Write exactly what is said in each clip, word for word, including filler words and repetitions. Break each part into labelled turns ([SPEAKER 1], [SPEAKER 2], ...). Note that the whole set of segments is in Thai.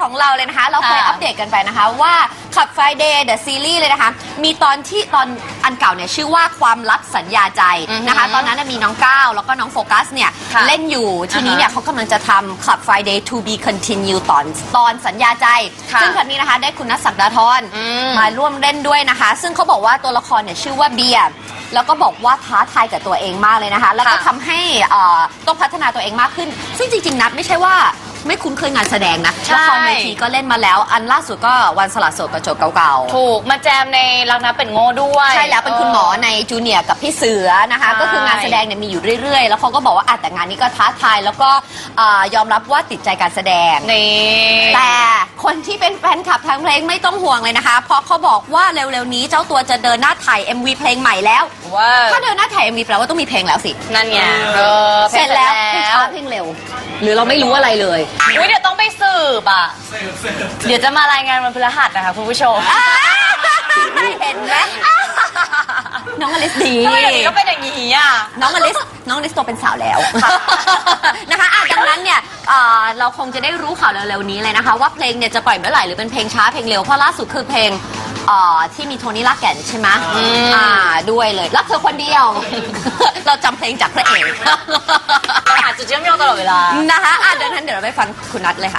[SPEAKER 1] ของเราเลยนะคะเราเคยอัปเดตกันไปนะคะว่าขับ Friday The Series เลยนะคะมีตอนที่ตอนอันเก่าเนี่ยชื่อว่าความลับสัญญาใจนะคะตอนนั้นมีน้องก้าวแล้วก็น้องโฟกัสเนี่ยเล่นอยู่ทีนี้เนี่ยเขากำลังจะทำขับ Friday To Be Continue ตอนตอนสัญญาใจซึ่งครั้งนี้นะคะได้คุณนัทศักดาธรมาร่วมเล่นด้วยนะคะซึ่งเขาบอกว่าตัวละครเนี่ยชื่อว่าเบียร์แล้วก็บอกว่าท้าทายกับตัวเองมากเลยนะคะแล้วก็ทำให้ต้องพัฒนาตัวเองมากขึ้นซึ่งจริงๆนัทไม่ใช่ว่าไม่คุ้นเคยงานแสดงนะละครเวทีก็เล่นมาแล้วอันล่าสุดก็วันสลัดโสดกระจกเก่าๆ
[SPEAKER 2] ถูกมาแจมในรักนับเป็นโง่ด้วย
[SPEAKER 1] ใช่แล้วเป็นคุณหมอในจูเนียร์กับพี่เสือนะคะก็คืองานแสดงเนี่ยมีอยู่เรื่อยๆแล้วเขาก็บอกว่าแต่งานนี้ก็ท้าทายแล้วก็ยอมรับว่าติดใจการแสดงแต่คนที่เป็นแฟนคลับทางเพลงไม่ต้องห่วงเลยนะคะเพราะเขาบอกว่าเร็วๆนี้เจ้าตัวจะเดินหน้าถ่าย เอ็ม วี เพลงใหม่แล้วถ้าเดินหน้าถ่าย เอ็ม วี แปลว่าต้องมีเพลงแล้วสิ
[SPEAKER 2] นั่นไง
[SPEAKER 1] เสร็จแล้วเพลงช้าเพลงเร็วหรือเราไม่รู้อะไรเลย
[SPEAKER 2] อุ้ยเดี๋ยวต้องไปสืบอ่ะเดี๋ยวจะมารายงานวันพฤหัสนะคะคุณผู้ชม
[SPEAKER 1] เห็นไหมน้องอลิสดี
[SPEAKER 2] ก็เป็นอย่างนี้อ่ะ
[SPEAKER 1] น้องอลิสน้องอลิสโตเป็นสาวแล้วนะคะดังนั้นเนี่ยเราคงจะได้รู้ข่าวเร็วๆนี้เลยนะคะว่าเพลงเนี่ยจะปล่อยเมื่อไหร่หรือเป็นเพลงช้าเพลงเร็วเพราะล่าสุดคือเพลงที่มีโทนี่ลากแก่นใช่ไหมอ่าด้วยเลยรักเธอคนเดียวเราจำเพลงจากพระเอก
[SPEAKER 2] อาจจะเชื่อมโยงตลอดเวลา
[SPEAKER 1] นะคะอ่ะดังนั้นเดี๋ยวเราไปฟังคุณนัทเลยค่ะ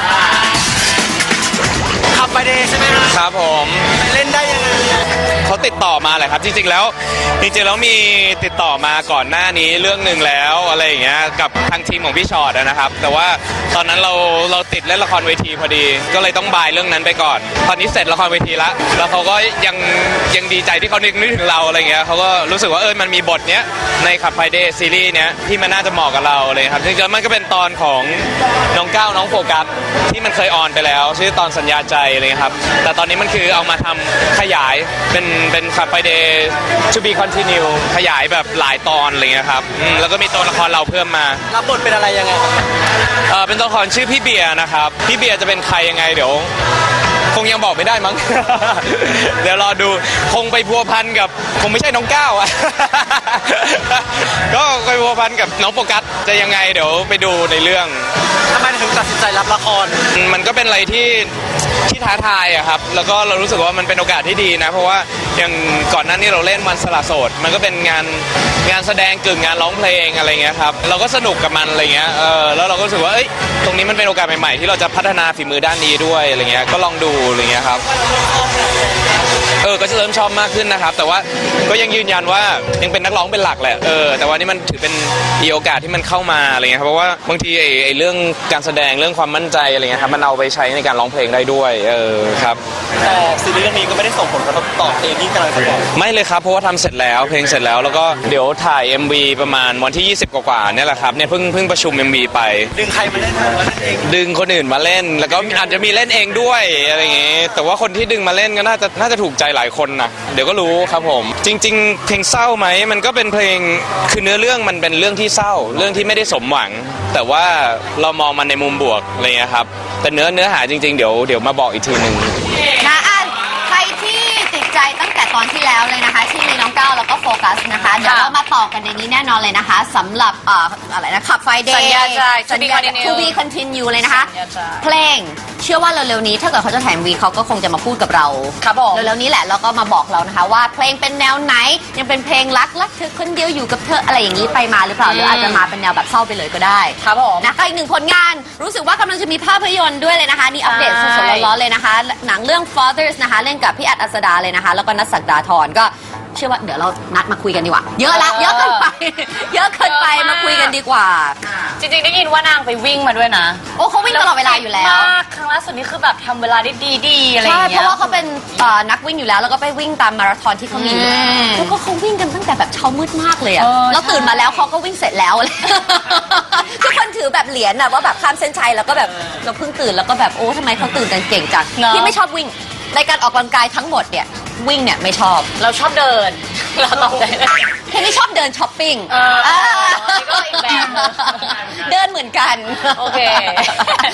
[SPEAKER 3] ขับไปเดย์ใช่ไหม
[SPEAKER 4] ครับผม
[SPEAKER 3] เล่นได้ยังไง
[SPEAKER 4] เขาติดต่อมาแหละครับจริงๆแล้วจริงๆแล้วมีติดต่อมาก่อนหน้านี้เรื่องหนึ่งแล้วอะไรอย่างเงี้ยกับทางทีมของพี่ชอตนะครับแต่ว่าตอนนั้นเราเราติดเล่นละครเวทีพอดีก็เลยต้องบายเรื่องนั้นไปก่อนตอนนี้เสร็จละครเวทีแล้วแล้วเขาก็ยังยังดีใจที่เขานึกนึกถึงเราอะไรเงี้ยเขาก็รู้สึกว่าเออมันมีบทเนี้ยในขับไฟเดย์ซีรีส์เนี้ยที่มันน่าจะเหมาะกับเราเลยครับจริงๆมันก็เป็นตอนของน้องก้าวน้องโฟกัสที่มันเคยออนไปแล้วชื่อตอนสัญญาใจอะไรครับแต่ตอนนี้มันคือเอามาทำขยายเป็นเป็นขับไปเดย์ to be continue ขยายแบบหลายตอนอะไรเงี้ยครับแล้วก็มีตัวละครเราเพิ่มมา
[SPEAKER 3] รับบทเป็นอะไรยังไง
[SPEAKER 4] เออเป็นตัวละครชื่อพี่เบียร์นะครับพี่เบียร์จะเป็นใครยังไงเดี๋ยวคงยังบอกไม่ได้มั้ง เดี๋ยวรอดูคงไปพัวพันกับคงไม่ใช่น้องก้าวอ่ะ ก็ไปพัวพันกับน้องโฟกัสจะยังไงเดี๋ยวไปดูในเรื่อง
[SPEAKER 3] ทำไมถึงตัดสินใจรับละคร
[SPEAKER 4] มันก็เป็นอะไรที่ที่ท้าทายอะครับแล้วก็เรารู้สึกว่ามันเป็นโอกาสที่ดีนะเพราะว่าอย่างก่อนหน้านี้เราเล่นวันสละโสดมันก็เป็นงานงานแสดงกึ่งงานร้องเพลงอะไรเงี้ยครับเราก็สนุกกับมันอะไรเงี้ยเออแล้วเราก็รู้สึกว่าเอ้ยตรงนี้มันเป็นโอกาสใหม่ๆที่เราจะพัฒนาฝีมือด้านนี้ด้วยอะไรเงี้ยก็ลองดูอะไรเงี้ยครับเออก็จะเริ่มชอบมากขึ้นนะครับแต่ว่าก็ยังยืนยันว่ายังเป็นนักร้องเป็นหลักแหละเออแต่ว่านี่มันถือเป็นมีโอกาสที่มันเข้ามาอะไรเงี้ยครับเพราะว่าบางทีไอ้ไอ้เรื่องการแสดงเรื่องความมั่นใจอะไรเงี้ยครับมันเอาไปใช้ในการร้องเพลงได้ด้วยเออครับ
[SPEAKER 3] แต่ซีรีส์เรื่องนี้ก็ไม่ได้ส่งผลกระทบต่อเพลงที่กำลังจะปล่อย
[SPEAKER 4] ไม่เลยครับเพราะว่าทำเสร็จแล้วเพลงเสร็จแล้วแล้วก็เดี๋ยวถ่าย เอ็ม วี ประมาณวันที่ยี่สิบกว่าๆเนี่ยแหละครับเนี่ยเพิ่งเพิ่งประชุม เอ็ม วี ไป
[SPEAKER 3] ดึงใครมาเล่นมาเล่นเอง
[SPEAKER 4] ดึงคนอื่นมาเล่นแล้วก็อาจจะมีเล่นเองด้วยอะไรอย่างงี้แต่ว่าคนที่ดึงมาเล่นก็น่าจะน่าจะถูกใจหลายคนนะเดี๋ยวก็รู้ครับผมจริงๆเพลงเศร้าไหมมันก็เป็นเพลงคือเนื้อเรื่องมันเป็นเรื่องที่เศร้าเรื่องที่ไม่ได้สมหวังแต่ว่าเรามองมันในมุมบวกอะไรเงี้ยครับแต่เนื้อเนื้อหาจริงๆเดี๋ยวเดี๋ยวมาบอกอีกทีหนึ่ง
[SPEAKER 1] นะอันใครที่ติดใจตั้งแต่ตอนที่แล้วเลยนะคะที่มีน้องก้าวแล้วก็โฟกัสนะคะเดี๋ยวเรามาต่อกันในนี้แน่นอนเลยนะคะสำหรับอะไรนะขับไฟเดย์
[SPEAKER 2] สัญญาใจ
[SPEAKER 1] To be continue เลยนะคะเพลงเชื่อว่าเร็วๆนี้ถ้าเกิดเขาจะถ่ายวีเขาก็คงจะมาพูดกับเรา
[SPEAKER 2] ครับผม
[SPEAKER 1] เร็วๆนี้แหละแล้วก็มาบอกเรานะคะว่าเพลงเป็นแนวไหนยังเป็นเพลงรักรักเธอคนเดียวอยู่กับเธออะไรอย่างนี้ไปมาหรือเปล่าหรืออาจจะมาเป็นแนวแบบเศร้าไปเลยก็ได้
[SPEAKER 2] ครับผม
[SPEAKER 1] นะก็อีกหนึ่งผลงานรู้สึกว่ากำลังจะมีภาพยนตร์ด้วยเลยนะคะนี่อัปเดตสดๆร้อนๆเลยนะคะหนังเรื่อง Fathers นะคะเล่นกับพี่อัดอัศดาเลยนะคะแล้วก็นัทศักดาธรก็เชื่อว่าเดี๋ยวเรานัดมาคุยกันดีกว่าเยอะละเยอะเกินไปเยอะเกินไปมาคุยกันดีกว่า
[SPEAKER 2] จริงๆได้ยินว่านางไปวิ่งมาด้วยนะ
[SPEAKER 1] โอ้เขาวิ่งตลอดเวลาอยู่แล้ว
[SPEAKER 2] มากครั้งล่าสุดนี้คือแบบทำเวลาได้ดีๆอะไรอย่างเงี้ย
[SPEAKER 1] ใช่เพราะว่าเขาเป็นนักวิ่งอยู่แล้วแล้วก็ไปวิ่งตามมาราธอนที่เขามีแล้วก็เขาวิ่งกันตั้งแต่แบบเช้ามืดมากเลยอะเราตื่นมาแล้วเขาก็วิ่งเสร็จแล้วทุกคนถือแบบเหรียญอะว่าแบบข้ามเส้นชัยแล้วก็แบบเราเพิ่งตื่นแล้วก็แบบโอ้ทำไมเขาตื่นกันเก่งจังที่ไม่ชอบวิ่งในการออกกำลังกายทั้งหมดเนี่ยวิ่งเนี่ยไม่ชอบ
[SPEAKER 2] เราชอบเดินเราตอบใจ
[SPEAKER 1] เคนนี่ชอบเดินช้อปปิ้ง
[SPEAKER 2] ก็อีกแบบ
[SPEAKER 1] เดินเหมือนกัน
[SPEAKER 2] โอเค